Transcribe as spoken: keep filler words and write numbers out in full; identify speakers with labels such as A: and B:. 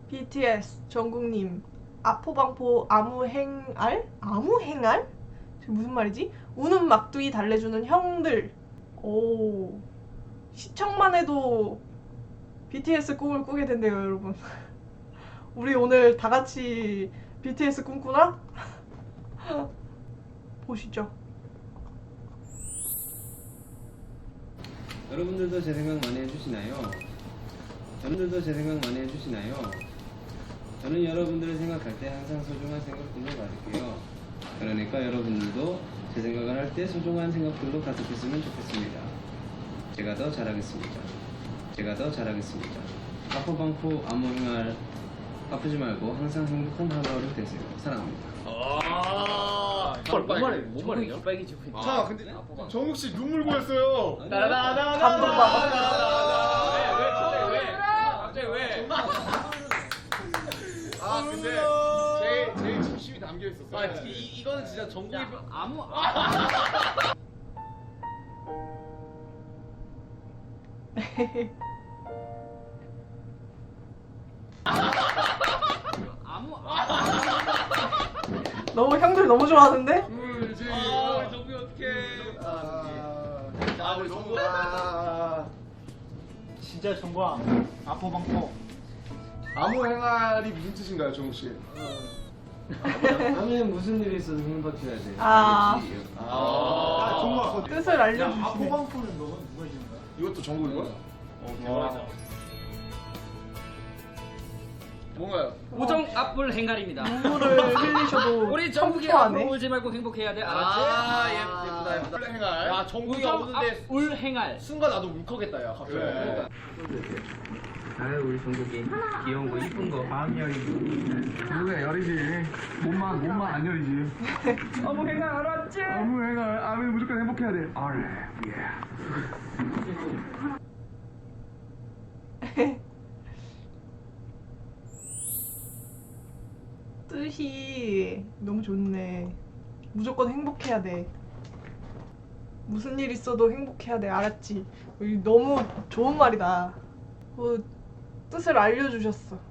A: 비티에스 정국님 아포방포 아무행알? 아무행알? 지금 무슨 말이지? 우는 막둥이 달래주는 형들. 오, 시청만 해도 비티에스 꿈을 꾸게 된대요 여러분. 우리 오늘 다같이 비티에스 꿈꾸나? 보시죠.
B: 여러분들도 제 생각 많이 해주시나요? 여러분들도 제 생각 많이 해주시나요? 저는 여러분들을 생각할 때 항상 소중한 생각들로 가득해요. 그러니까 여러분들도 제 생각을 할 때 소중한 생각들로 가득했으면 좋겠습니다. 제가 더 잘하겠습니다. 제가 더 잘하겠습니다. 아포방포 아무행할 아프지 말고 항상 행복한 하루하루 되세요. 사랑합니다.
C: 아, 뭔 말이야? 뭔 말이야?
D: 빨개지고 있다.
C: 자, 근데 정욱 씨 눈물 고였어요.
D: 나나나나.
A: 감동받아.
D: 왜? 왜? 갑자기 왜?
C: 아, 근데 제일 제일 진심이 담겨 있었어.
D: 아, 이 이거는 진짜 정국이 아무 아무
A: 너무 형들 너무 좋아하는데?
C: 울지.
D: 아, 우리 정국이 어떡해?
C: 아,
D: 아, 우리 정국.
C: 아,
E: 진짜 정보야. 아포방포.
C: 아무 행활이 무슨 뜻인가요, 정욱 씨?
B: 다음에 무슨 일이 있어도 행복해야 돼.
A: 아.
B: 알겠지?
C: 아,
E: 정보야.
A: 뜻을 알려주시네.
E: 아포방포는 너가 누가 해주는 거야?
C: 이것도 정국인 거야?
D: 어, 대박이다.
C: 뭔가요?
D: 우정 앞불 행갈입니다.
A: 눈물을 흘리셔도
D: 우리 정국이
A: 청소하네.
D: 앞으로 울지 말고 행복해야 돼. 알았지?
F: 아, 예, 예쁘다, 예쁘다.
C: 플레 행활.
F: 야, 정국이가
D: 우정
F: 오는데
D: 앞불 행할.
F: 순간 나도 울컥했다, 야, 갑자기.
C: 그래.
B: 아유 우리 종국이 귀여운 거 이쁜 거.
E: 마음 열이지. 누가 열이지. 몸만 몸만 안 열이지.
A: 어머 행아 알았지?
E: 아무 애가 아무 무조건 행복해야 돼. 아래. 예.
A: 뜻이 너무 좋네. 무조건 행복해야 돼. 무슨 일 있어도 행복해야 돼. 알았지? 이거 너무 좋은 말이다. 그 뜻을 알려주셨어.